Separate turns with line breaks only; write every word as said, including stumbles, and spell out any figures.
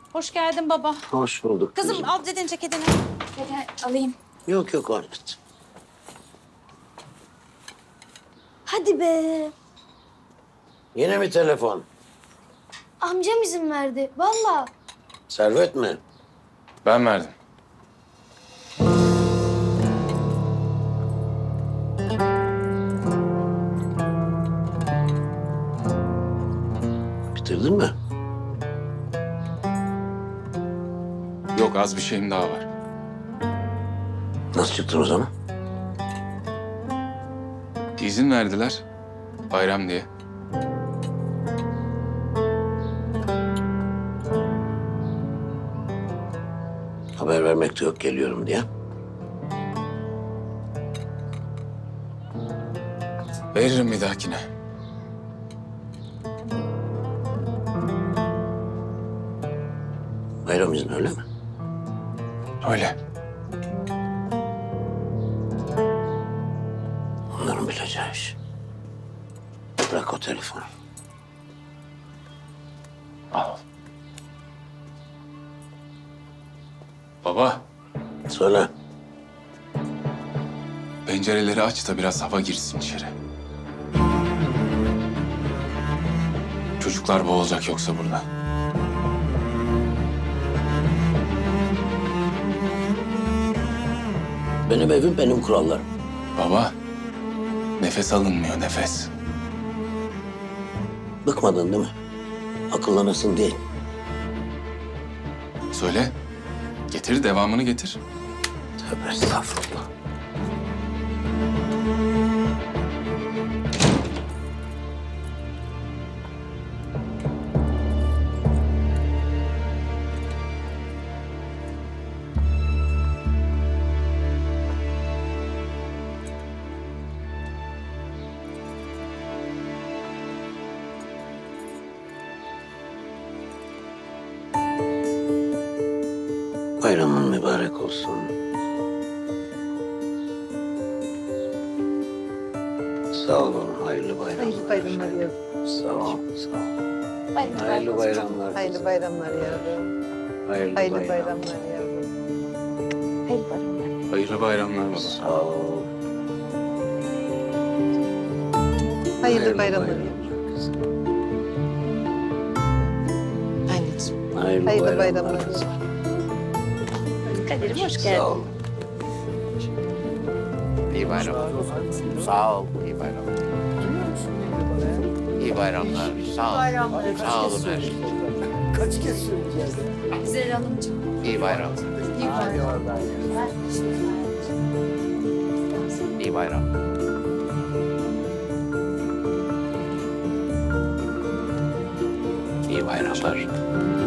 Hoş geldin baba.
Hoş bulduk.
Kızım al dedin ceketini. Gel alayım.
Yok yok Ahmet.
Hadi be.
Yine mi telefon?
Amcam izin verdi. Vallahi.
Servet mi?
Ben verdim.
Bitirdin mi?
Yok, az bir şeyim daha var.
Nasıl çıktın o zaman?
İzin verdiler. Bayram diye.
Haber vermek de yok geliyorum diye.
Veririm bir dahakine.
Bayram izni öyle mi?
Öyle.
Onların bileceği iş. Bırak o telefonu.
Al. Baba,
Söyle.
pencereleri aç da biraz hava girsin içeri. Çocuklar boğulacak yoksa burada.
Benim evim benim kurallarım.
Baba, nefes alınmıyor, nefes.
Bıkmadın değil mi? Akıllanırsın değil.
Söyle, getir, devamını getir.
Tövbe estağfurullah. Bayramın mübarek olsun. Sağ olun, hayırlı bayramlar.
Hayırlı bayramlar yavrum.
Sağ ol, sağ ol.
Hayırlı,
Hayırlı bayramlar.
Hayırlı bayramlar yavrum.
Hayırlı,
Hayırlı
bayramlar.
bayramlar yavrum.
Hayırlı bayramlar.
Hayırlı bayramlar baba.
Sağ ol.
Hayırlı bayramlar yavrum.
kızım.
Anneciğim.
Hayırlı,
Hayırlı
bayramlar.
bayramlar.
kızım.
Kadir'im hoş
Sağ
geldin.
ol.
İyi bayramlar. Sağ ol. İyi bayramlar. İyi bayramlar. Sağ ol. Sağ olun her şey.
Güzel Hanımcığım.
İyi bayram.
İyi bayramlar.
İyi bayram. İyi bayramlar.